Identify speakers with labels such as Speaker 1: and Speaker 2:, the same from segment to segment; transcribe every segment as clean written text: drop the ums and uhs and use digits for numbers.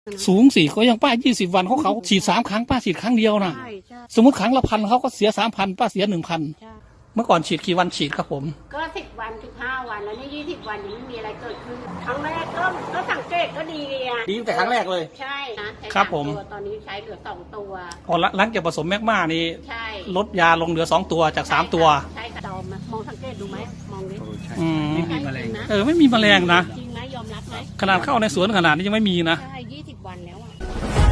Speaker 1: สูงสิเขายังป้า20 วันเขาฉีด3 ครั้งป้าฉีดครั้งเดียวนะสมมติครั้งละ1,000เขาก็เสีย3,000ป้าเสีย1,000เมื่อก่อนฉีดกี่วันฉีดครับผม
Speaker 2: ก็10 วัน15 วันแล้วนี่20 วันยังไม่มีอะไรเกิดขึ้นครั้งแรกก็สังเกตก็ดีอ่ะ
Speaker 1: ดีตั้งแต่ครั้งแรกเลย
Speaker 2: ใช่นะ
Speaker 1: ครับผม
Speaker 2: ตอนนี้ใช้เหลือ2 ตัว
Speaker 1: อ๋อหลังจากผสมแมกมานี่
Speaker 2: ใช่
Speaker 1: ลดยาลงเหลือ2 ตัวจาก3 ตัว
Speaker 2: ใช่ดอมมองสังเกตดูไหมมองดิ
Speaker 1: ไม่
Speaker 2: มีแมลงนะ
Speaker 1: ไม่มีแมลงนะ
Speaker 2: จริงไหมยอมรับไหม
Speaker 1: ขนาดเข้าในสวนขนาดนี้ยังไม่มีนะ
Speaker 2: ใช่20 วันแล้วอ่ะ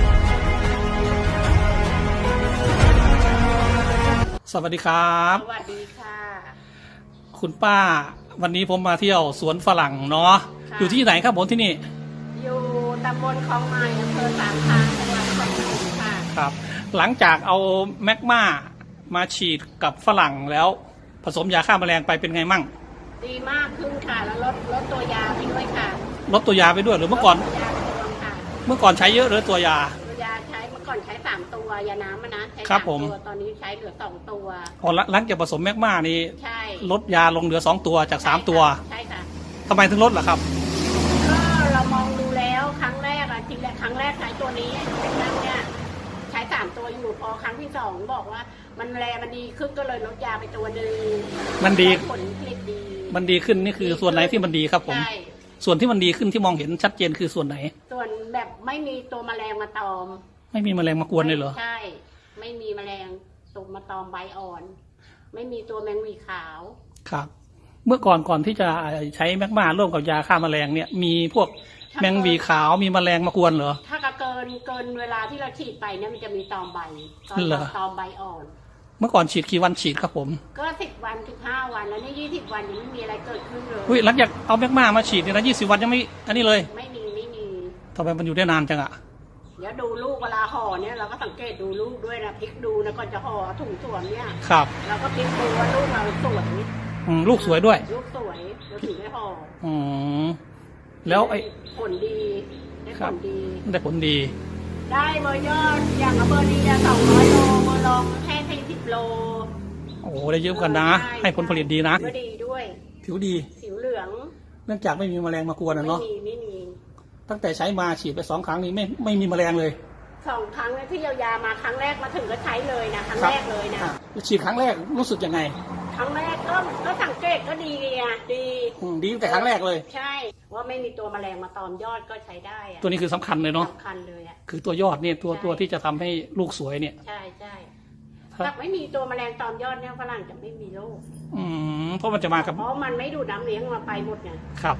Speaker 1: สวัสดีครับ
Speaker 2: สวัสดีค่ะ
Speaker 1: คุณป้าวันนี้ผมมาเที่ยวสวนฝรั่งเนาะอยู่ที่ไหนครับผมที่นี่
Speaker 2: อยู่ตำบลคลองไม้อำเภอสามพรานจังหวัดสุพรรณบุรีค่ะ
Speaker 1: ครับหลังจากเอาแมกมามาฉีดกับฝรั่งแล้วผสมยาฆ่าแมลงไปเป็นไงมั่ง
Speaker 2: ดีมากขึ้นค่ะแล้วลดตัวยาไปด้วยค่ะ
Speaker 1: ลดตัวยาไปด้วยหรือเมื่อก่อนใช้เยอะหรือตัวยา
Speaker 2: ใช้เมื่อก่อนใช้3 ตัวยาน้ำนะใช้
Speaker 1: ครับผม
Speaker 2: ตอนนี้ใช้เหลือ2 ตัว
Speaker 1: อ๋อหลังจากผสมแมกมานี่
Speaker 2: ใช่
Speaker 1: ลดยาลงเหลือ2 ตัวจาก3 ตัว
Speaker 2: ใช่ค่ะ
Speaker 1: ทำไมถึงลดล่ะครับ
Speaker 2: ก็เรามองดูแล้วครั้งแรกอะจริงๆครั้งแรกใช้ตัวนี้ครั้งเนี้ยใช้3 ตัวอยู่พอครั้งที่2บอกว่ามันดีขึ้นก็เลยลดยาไปตัวนึง
Speaker 1: มันดี
Speaker 2: ผลผลิตดี
Speaker 1: มันดีขึ้นนี่คือส่วนไหนที่มันดีครับผมส่วนที่มันดีขึ้นที่มองเห็นชัดเจนคือส่วนไหน
Speaker 2: ส่วนแบบไม่มีตัวแมลงมาตอม
Speaker 1: ไม่มีแมลงมากวนเลยเหรอ
Speaker 2: ใช่ไม่มีแมลงตัวมาตอมใบอ่อนไม่มีตัวแมงวีขาว
Speaker 1: ครับเมื่อก่อนที่จะใช้แมกมาร่วมกับยาฆ่าแมลงเนี่ยมีพวกแมงวีขาวมีแมลงมากวนเหรอ
Speaker 2: ถ้าเกินเวลาที่เราฉีดไปเนี่ยมันจะมีตอมใบตอมใบอ่อน
Speaker 1: เมื่อก่อนฉีดกี่วันฉีดครับผม
Speaker 2: ก็10 วัน15 วันแล้วนี่20 วันยังไม่มีอะไรเกิดขึ้นเลย
Speaker 1: หลังจากเอาแมกมามาฉีดเนี่ยนะ20 วันยังไม่อันนี้เลย
Speaker 2: ไม่มี
Speaker 1: ทำไมมันอยู่ได้นานจังอะ
Speaker 2: เดี๋ยวดูลูกเวลาห่อเนี่ยเราก็สังเกตดูลูกด้วยนะพลิกดูนะก่อนจะห่อถุงสวมเนี่ย
Speaker 1: ครับ
Speaker 2: เราก็พลิกดูว่าลูกเราสวย
Speaker 1: ลูกสวยด้วย
Speaker 2: ลูกสวยเราถึงได้ห่อ
Speaker 1: แล้วไอ้
Speaker 2: ผลดีได้ผลดี
Speaker 1: ได้
Speaker 2: เบอร์ยอดอย่างเบอร์ดี200 โลเบอร์รองแค่40 โล
Speaker 1: โอ้ได้เยอะกันนะให้ผลผลิตดีนะ
Speaker 2: ก็ดีด้วย
Speaker 1: ผิวดี
Speaker 2: ผิวเหลือง
Speaker 1: เนื่องจากไม่มีแมลงมากวนนะเนาะ
Speaker 2: ไม่มี
Speaker 1: ตั้งแต่ใช้มาฉีดไป2 ครั้งนี้ไม่มีแมลงเลย
Speaker 2: 2 ครั้งที่ยามาครั้งแรกมาถึงก็ใช้เลยนะครั้งแรกเลยนะ
Speaker 1: ฉีดครั้งแรกรู้สึกยังไง
Speaker 2: ครั้งแรกก็สังเกตก็ดีอ่ะ
Speaker 1: ดีตั้งแต่ครั้งแรกเลย
Speaker 2: ใช่ว่าไม่มีตัวแมลงมาตอมยอดก็ใช้ได้
Speaker 1: ตัวนี้คือสำคัญเลยเนาะ
Speaker 2: สำคัญเลยอ่ะ
Speaker 1: คือตัวยอดเนี่ยตัวที่จะทำให้ลูกสวยเนี่ย
Speaker 2: ใช่ถ้าไม่มีตัวแมลงตอมยอดเนี่ยฝรั่งจะไม่มีโรค
Speaker 1: เพราะมันจะมากับ
Speaker 2: เพราะมันไม่ดูดน้ำเลี้ยงมาไปหมดไง
Speaker 1: ครับ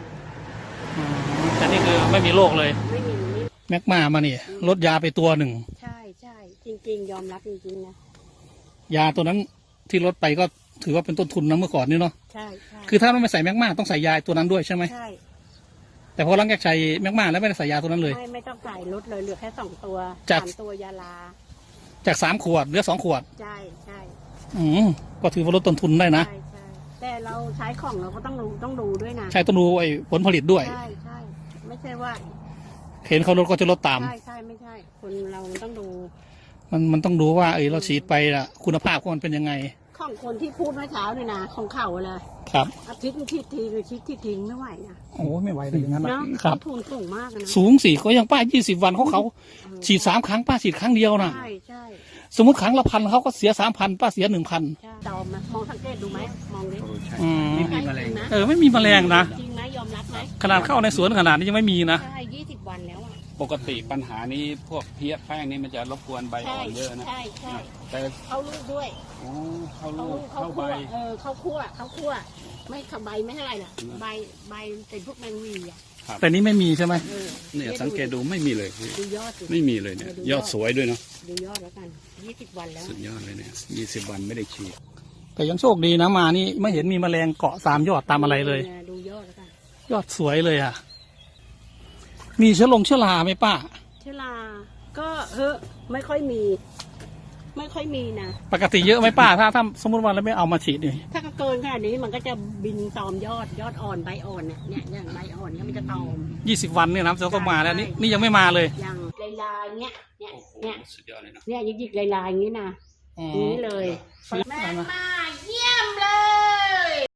Speaker 1: แต่นี่คือไม่มีโรคเลย
Speaker 2: ไม่มี
Speaker 1: แมกมาเนี่ยลดยาไปตัวหนึ่ง
Speaker 2: ใช่จริงๆยอมรับจริงๆนะ
Speaker 1: ยาตัวนั้นที่ลดไปก็ถือว่าเป็นต้นทุนนะเมื่อก่อนนี่เนาะ
Speaker 2: ใช่
Speaker 1: คือถ้าเราไม่ใส่แมกมาต้องใส่ยาตัวนั้นด้วยใช่ไหม
Speaker 2: ใช่
Speaker 1: แต่พอหลังจากใส่แมกมาแล้วไม่ได้ใส่ยาตัวนั้นเลย
Speaker 2: ไม่ต้องใส่ลดเลยเหลือแค่2 ตัว3 ตัวยาลา
Speaker 1: จาก3 ขวดเหลือ2 ขวด
Speaker 2: ใช่
Speaker 1: ก็ถือว่าลดต้นทุนได้นะ
Speaker 2: ใช่แต่เราใช้ของเราก็ต้องดูด้วยนะ
Speaker 1: ใช่ต้องดูไอ้ผลผลิตด้วย
Speaker 2: ใช่ไม่ใช่ว่า
Speaker 1: เห็นเขาลดก็จะลดตาม
Speaker 2: ใช่ไม่ใช่คนเราต้องดู
Speaker 1: มันต้องดูว่าเราฉีดไปอะคุณภาพของมันเป็นยังไง
Speaker 2: ของคนที่พูดเมื่อเช้าเนี่ยนะของเขาเลย
Speaker 1: ครับ
Speaker 2: อาทิตย์ฉีดทีหรือฉีดที่ทิ้งไม่ไหวนะ
Speaker 1: โอ้ไม่ไหวเลยอย่างนั้น
Speaker 2: นะครับทุนสูงมากนะ
Speaker 1: สูงสิเขายังป้า20 วันเขาฉีด3 ครั้งป้าฉีดครั้งเดียวนะ
Speaker 2: ใช่
Speaker 1: สมมติครั้งละ1,000เขาก็เสีย3,000ป้าเสีย1,000
Speaker 2: ดอมมองสังเกตดูไหมมองดิ
Speaker 1: ไม่มีแมลงนะไม่มีแมลงนะ
Speaker 2: จริงไหมยอมรับไหม
Speaker 1: ขนาดเข้าในสวนขนาดนี้ยังไม่มีนะ
Speaker 2: ใช่20 วันแล้ว
Speaker 3: ปกติปัญหานี้พวกเพี้ยแป้งนี่มันจะรบกวนใบอ่อนเยอะนะ
Speaker 2: ใช่แต่เข้าลูกด้วย
Speaker 3: เข้าลูกเข้าใบ
Speaker 2: เข้าคั่วไม่เข้าใบไม่เท่าไหร่น่ะใบเป็นพวกแมงวีอ่ะ
Speaker 1: แต่นี้ไม่มีใช่ไหม
Speaker 3: เนี่ยสังเกตดูไม่มีเลย
Speaker 2: ดูยอด
Speaker 3: ไม่มีเลยเนี่ยยอดสวยด้วยเนาะ
Speaker 2: ดูยอดแล้วกัน20 วันแล้ว
Speaker 3: สุดยอดเลยเนี่ย20 วันไม่ได้ฉีด
Speaker 1: แต่ยังโชคดีนะมานี่ไม่เห็นมีแมลงเกาะตามยอดตามอะไรเลย
Speaker 2: ดูยอดแล้วกัน
Speaker 1: ยอดสวยเลยอ่ะมีเชื้อราไหมป้า
Speaker 2: เชื้อราก็ไม่ค่อยมีนะ
Speaker 1: ปกติเยอะไหมป้าถ้าสมมติว่าเราไม่เอามาฉีดนี่
Speaker 2: ถ้าเกินขนาดนี้มันก็จะบินตอมยอดอ่อนใบอ่อนเนี่ยอย่างใบอ่อนก็มันจะตอม
Speaker 1: 20 วันเนี่ยนะจะต้องมาแล้วนี่ยังไม่มาเลย
Speaker 2: อย่างลายเนี่ย
Speaker 3: สุดยอดเลยเนาะ
Speaker 2: เนี่ยยิกลายอย่างนี้นะนี้เลยแม่มา